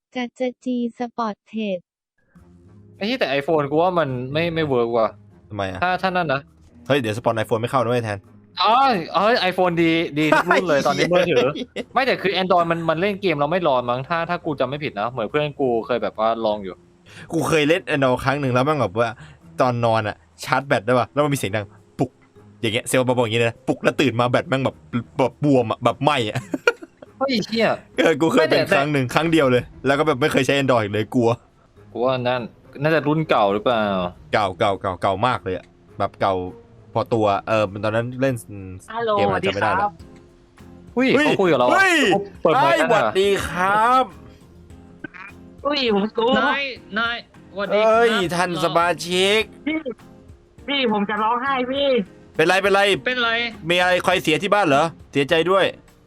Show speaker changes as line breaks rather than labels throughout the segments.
จะจีสปอร์ตเทรด
ไอ้ที่แต่ iPhone กูว่ามันไม่เวิร์กว่ะ
ทำไมอ่ะ
ถ้านั่นนะ
เฮ้ยเดี๋ยวสปอนไอโฟนไม่เข้าด้วยแทน
อ๋อไอโฟนดีทุกรุ่นเลยตอนนี้มือถือ ไม่แต่คือ Android มันเล่นเกมเราไม่รอนมั้งถ้ากูจำไม่ผิดนะเหมือนเพื่อนกูเคยแบบว่าลองอยู่
กูเคยเล่นแอนดรอยครั้งหนึ่งแล้วมันแบบว่าตอนนอนอ่ะชาร์จแบตได้ป่ะแล้วมันมีเสียงดังปุกอย่างเงี้ยเซลล์มาบอกอย่างงี้เลยนะปุกแล้วตื่นมาแบตแม่งแบบบวมอ่ะแบบไหมอ่ะ
เฮ้ยเชี่ย
กูเคยเป็นครั้งหนึ่งครั้งเดียวเลยแล้วก็แบบไม่เคยใช้แอนดรอยเลยกลัว
กูว่านั่นน่าจะรุ่นเก่าหรือเปล่า
เก่ามากเลยอ่ะแบบเก่าพอตัวตอนนั้นเล่น
ฮัลโหล
เกม
ส
อะไร
วัสดี
จำไม่
ค
ได้
รั
แล้ว
บ
อุ้ยเขาคุยกับเรา
เฮ้ย
เปิดไม
ไอ้
ค์
ส
กั
วัน ส
อ่ะ
ดีครับ
อุ้ยผมกู
นายสวัสดี
เอ้ย
ครับ
ท่านสมาชิก
พี่ผมจะร้องไห้พี่
เป็นไร
เป็นไร
มีอะไรใครเสียที่บ้านเหรอเสียใจด้วย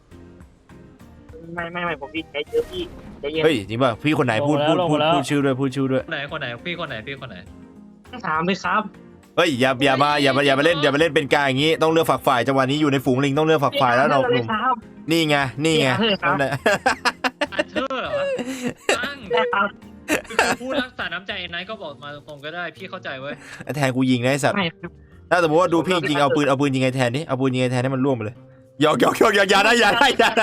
ไม่ผมดีใจเยอะพี่ใจเย็น
เฮ้ยจริงป่ะพี่คนไหนพูดชื่อด้วยพูดชื่อด้วย
คนไหนพี่คนไหน
ถามเลยครับ
เฮ้ยอย่ามาเล่นเป็นกลางอย่างงี้ต้องเลือกฝักฝ่ายจังหวะนี้อยู่ในฝูงลิงต้องเลือกฝักฝ่ายแล้วเราหนุ่ม
ครับ
นี่ไง
ครับ
นั่นแหละ
อาเธอร์เหรอตั้ง
ได้ครับ
คือพูดรักษาน้ำใจไนท์ก็บอกมาตรงๆก็ได้พี่เข้าใจเว้ย
แทนกูยิงนะไอ้สัตว์
ไม่
ถ้าสมมติว่าดูพี่ยิงเอาปืนยิงไอ้แทนนี่เอาปืนยิงไอ้แทนให้มันร่วงไปเลยหยอกอย่าได้
อย่า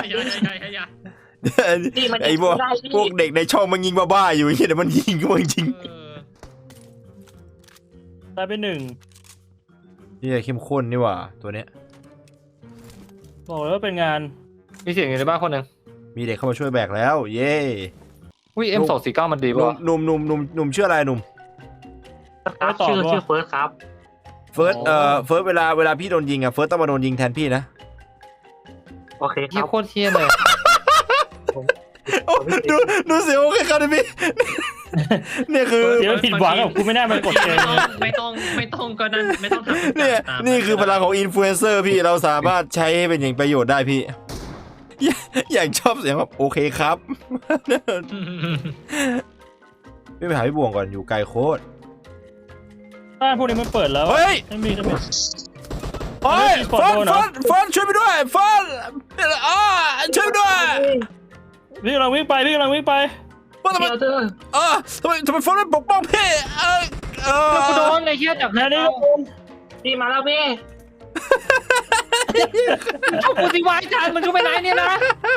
พี่มัน
ไอ้พวก
ได้
พวกเด็กในช่องมันยิงบ้าๆอยู่อย่างเงี้ยเดี๋ยวมันยิงก็มันจริง
ตายไปหนึ่ง
นี่เข้มข้นนี่หว่าตัวเนี้ย
บอกเลยว่าเป็นงาน
มีเสียงอยู่ในบ้านคนหนึ่ง
มีเด็กเข้ามาช่วยแบกแล้วเย้
อุ้ย M249 มันดี
หนุ่
ป่ะ
มชื่ออะไรหนุ่ม
ครับชื่อเฟิร์สครับ
เฟิร์สเวลาพี่โดนยิงอ่ะเฟิร์สต้องมาโดนยิงแทนพี่นะ
โอเคค
ยี่
รับ
โคตรเทียเลย
ดูเสียวใครๆพี่เนี่ยคือ
เดี๋ยวผิดหวังกับกูไม่น่ามากดเกมเลย
ไม่ต้องก็นั่นไม่ต้องทำ
เนี่ยนี่คือพลังของอินฟลูเอนเซอร์พี่เราสามารถใช้ให้เป็นอย่างประโยชน์ได้พี่อย่างชอบเสียงแบบโอเคครับพี่ไปหาพี่บวงก่อนอยู่ไกลโคตร
บ้านพวกนี้มันเปิดแล้ว
เฮ้ย
ไม่มี
โอ้ยเฟิร์นช่วยไปด้วยเฟิร์นช่วยด้วย
พี่กำลังวิ่งไป
ว่าทำไม
เดี๋ยวเธอ
ทำไมเฟิร์นไม่ปกป้องพี่
กูโดนไอ้เหี้ยจับ
แค่นี้
พี่มาแล้วพี่
เอากูสิวายจานมันก็ไปไหนเนี่ยนะ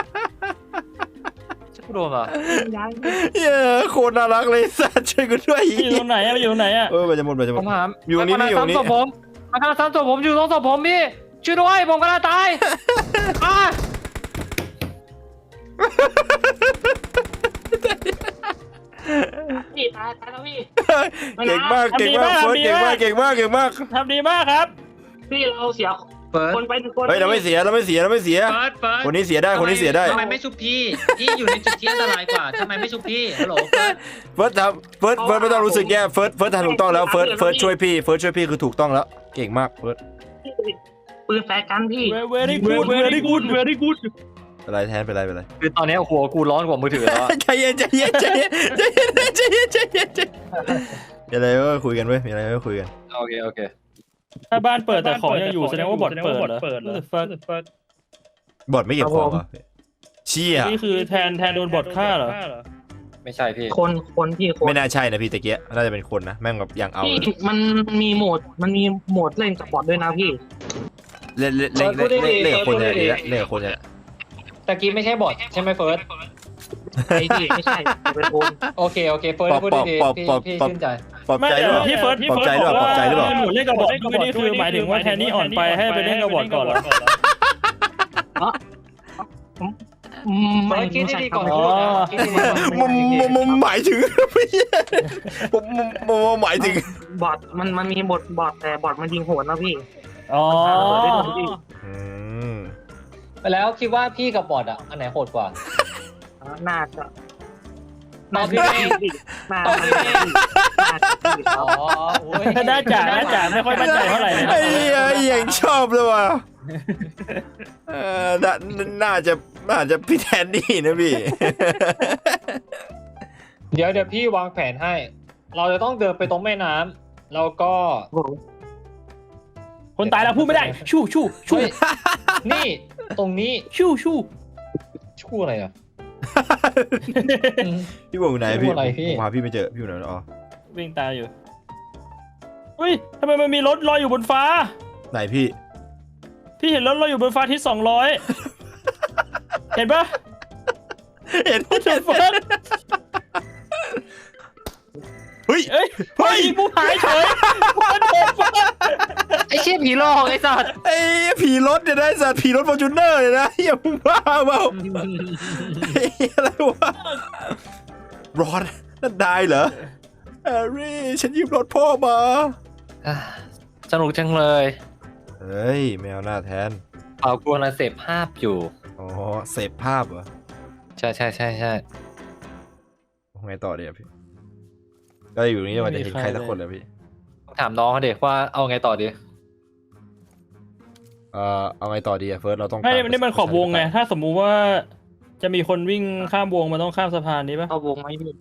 กูโดนอ่ะ
ย้าย
เย้โคตรน่ารักเลยสัตว์ช่วยกูด้วย
อยู่ตรงไหนอะอยู่ตรงไหนอะ
มันจะหมด
ผมหา
อยู่นี่พี่อยู่นี่
มาทางซ้ำศพผมอยู่ตรงศพผมพี่ช่วยด้วยผมกำลังตายอ่ะ
พี่ตายแล้วพี่
เก่งมากเฟิร์นเก่งมาก
ทำดีมากครับ
พี่เราเสีย
เปิด
คนไปหนึ่งคน
เฮ้ยเราไม่เสียคนนี้เสียได้
ทำไมไม่ชุบพี่อยู่ในจุดที่อันตรายกว่าทำไมไม่ชุบพี่ฮัลโหลเฟิร์ส
เฟิร์สไม่ต้องรู้สึกแย่เฟิร์สทำถูกต้องแล้วเฟิร์สช่วยพี่คือถูกต้องแล้วเก่งมากเฟิร์ส
ปืนแฟร์กันพี่
very good
อะไรแทนเป็นไร
คือตอนนี้หัวกูร้อนกว่ามือถือแล้ว
ใจเย็นมีอะไรก็คุยกันเว้ยมีอะไรก็คุยกัน
โอเค
ถ้าบ้านเปิดแต่ของยังอยู่แสดงว่าบอทเปิดเหรอ
บอดไม่เก็บของเหรอเชี่ย
นี่คือแทนโดนบอทฆ่าเหรอ
ไม่ใช่พี่
คนพี่คน
ไม่น่าใช่นะพี่ตะเกียน่าจะเป็นคนนะแม่งแบบอย่างเอา
พี่มันมีโหมดเล่นกับบอทด้วยนะพี่
เล่นคนเนี่ยดีละเล่นกับคนเนี่ย
ตะกี้ไม่ใช่บอทใช่ไหมเฟิร์ส
ไอ้พี่ไม่ใช่เป็นคน
โอเคเฟิร์สพูดดีพี่ชื่นใจ
ปลอบ
ไม่
ใจหรือเปล่า
ที่เฟิร์ส
ปลอบใจหรือเปล่าปลอบใจหรือเปล่า
หมุนเล่นกับบอทด้วยนี่คือหมายถึงว่าแทนนี่อ่อนไปให้ไปเล่นกับบอทก่อนเหรอ
ไม่
คิด
ใช่
ดี
ค
ก่
รั
อบ นพูดนะคิดดีก่อน
ผมหมายถึงผมหมายถึง
บอทมันมีบอทแต่บอทมันยิงโหดนะพี่
อ๋อ
ไปแล้วคิดว่าพี่กับบอทอ่ะอันไหนโหดกว่า
น่าจะ
ตอบพี่
น่า
อ๋อ
น่าจะไม่ค่อยมั่นใจเท่าไหร่เลย
ไอ้ยังชอบเลยว่ะน่าจะพี่แทนนี่นะพี่
เดี๋ยวพี่วางแผนให้ เราจะต้องเดินไปตรงแม่น้ำแล้วก็
คนตายแล้วพูดไม่ได้ชู่
นี่ตรงนี้
ชู่
ชูอะไรอ่ะ
พี่บอกอยู่ไหนพี่
พูดอะไรพี่
ผมหาพี่ไม่เจอพี่อยู่ไหนอ๋อ
วิ่งตามอยู่อุ้ยทำไมมันมีรถลอยอยู่บนฟ้า
ไหนพี่
พี่เห็นรถลอยอยู่บนฟ้าที่200 เห็นปะ
เห็น
เห็นฟ้า
เฮ้ย
เอ้ยเฮ้ยผู้หายเฉยมันเห็นฟ้า
ไอ้เชี่ยผีหลอกไอ้สัตว์
ไอ้ผีรถเนี่ยนะไอ้สัตว์ผีรถฟอร์จูเนอร์เลยนะอย่ามึงบ้าเปล่าเฮ้ยอะไรวะรอดนั่นได้เหรอแฮร์รี่ฉันยืมรถพ่อมา
อ่ะสนุกจังเลย
เฮ้ยแมวหน้าแทน
เอากวนเสพภาพอยู่
อ๋อเสพภาพเหรอ
ใช่ใช่ใช่ใช่
ไงต่อดีอะพี่ก็อยู่นี่ว่าจะเห็นใครสักคนเลยพี่
ถามน้องเขาเด็กว่าเอาไงต่อดี
เอาไงต่อดีอะเฟิร์สเราต้อง
ไม่
ตาม
นี่มันขอบวงไงถ้าสมมุติว่าจะมีคนวิ่งข้ามวงมันต้องข้ามสะพานนี้ปะ
เข้าวงไหมพี่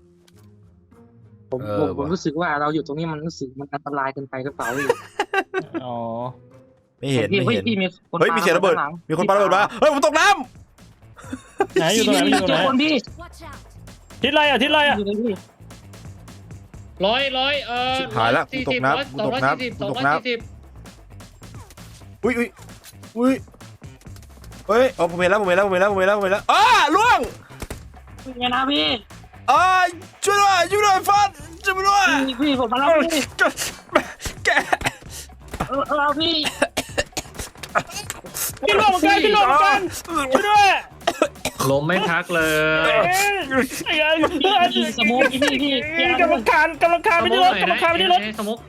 ผมรู้สึกว่าเราอยู่ตรงนี้มันรู้สึกมันอันตรายเกินไปกระเป๋าพี่
อ๋อ
ไม่เห็น
พี่
ไม่เห็น
พี่มีคน
เฮ้ยมีเสียงระเบิดมีคนปาระเบิดมาเฮ้ยผมตกน้
ไหนอยู่ตรงไหนอยู่ตรงไหน
คนพี่
ทิศไรอ่ะทิศไรอ่ะ
อยู่ในพี่
ร้อย
ำชิบหายละกูตกน้ำกูตกน้ำกูตกน้ำอุ้ยเฮ้ยอ๋อผมเห็นแล้วอ้าล่วง
เป็นไงนะพี่
ช่วยด้วยฟันช่วยด้วย
พี่ผมมาแล้วพี่
แก
พี่
พี่ลงเหมือนกันพี่ลงเหมือนกันช่วยด้วย
ล้มไม่พักเลย
พี่สมุกพี่
กำลังคานไปที่รถกำลังคานไปที่รถ
สมุก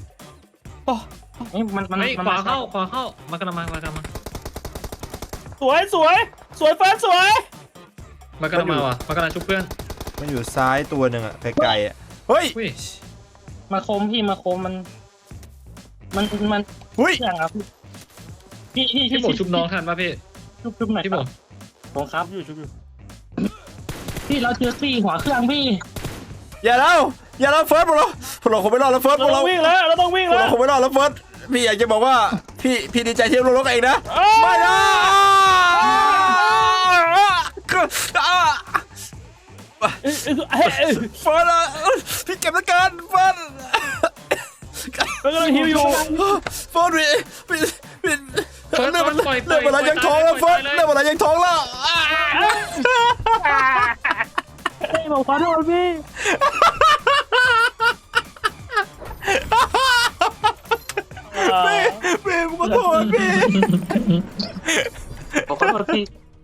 มัน
เฮ้ยขวาเข้ามากระมัง
สวยเฟิร์สสวย
มากระมังว่ะมากระมังชุบเพื่อน
มันอยู่ซ้ายตัวหนึ่งอะไกลๆอะเฮ้ย
อุ้ย
มาคมพี่มาคมมัน
อุ้ย
เรื่องครับพี่
พี่บอกชุบน้องทันป่ะพี่
ชุบหน่อย
พี่บอก
ผมครับ
อยู่
พี่เราเจอซี่หัวเครื่องพี่
อย่าเล่าเฟิร์สพวกเราคงไม่รอดแล้วเฟิร์สพ
เรา
วก
ต้
เรา
องวิ่งแล้วเราต้องวิ่ง
พวก
แล้
เรา
ว
คงไม่รอดแล้วเฟิร์สพี่อยากจะบอกว่าพี่ดีใจที่เราลงเองนะไม่นะเฟิร์สพี่เก็บแล้วกันเฟิร์ส
เรากำลังฮิวอยู่
เฟิร์สพี่เรื่องอะไรยังท้องแล้วเฟิร์สเรื่องอะไรยังท้องแล้ว
ผมขอโทษพี่
พี่ขอโทษพี่
ผมขอโทษพี่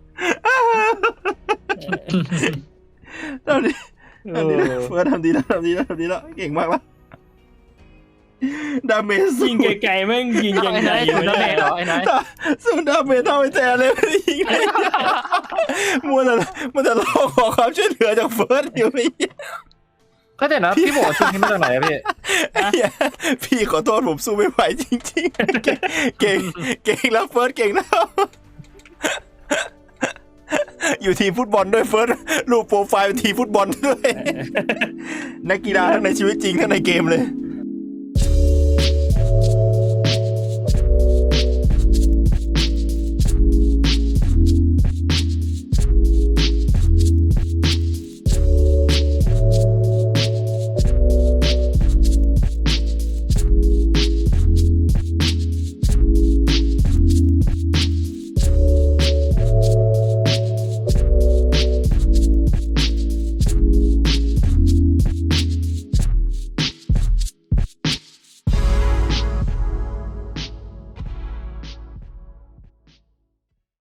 ทำดีเฟิร์สทำดีแล้วเก่งมากแล้วดาเมจ
ยิงไกลๆแม่งยิงยังไง
สุดดาเมจเหรอไอ้นาย
สู้ดาเมจเท่าไอ้แจเลยไม่ได้ยิงเลยมันจะร้องขอความช่วยเหลือจากเฟิร์สอยู่ไม่
ก็แต่นะพี่บอกชุบนี้มาจากไหนอะพี่
พี่ขอโทษผมสู้ไม่ไหวจริงๆเก่งแล้วเฟิร์สเก่งแล้วอยู่ทีมฟุตบอลด้วยเฟิร์สรูปโปรไฟล์เป็นทีมฟุตบอลด้วยนักกีฬาทั้งในชีวิตจริงทั้งในเกมเลย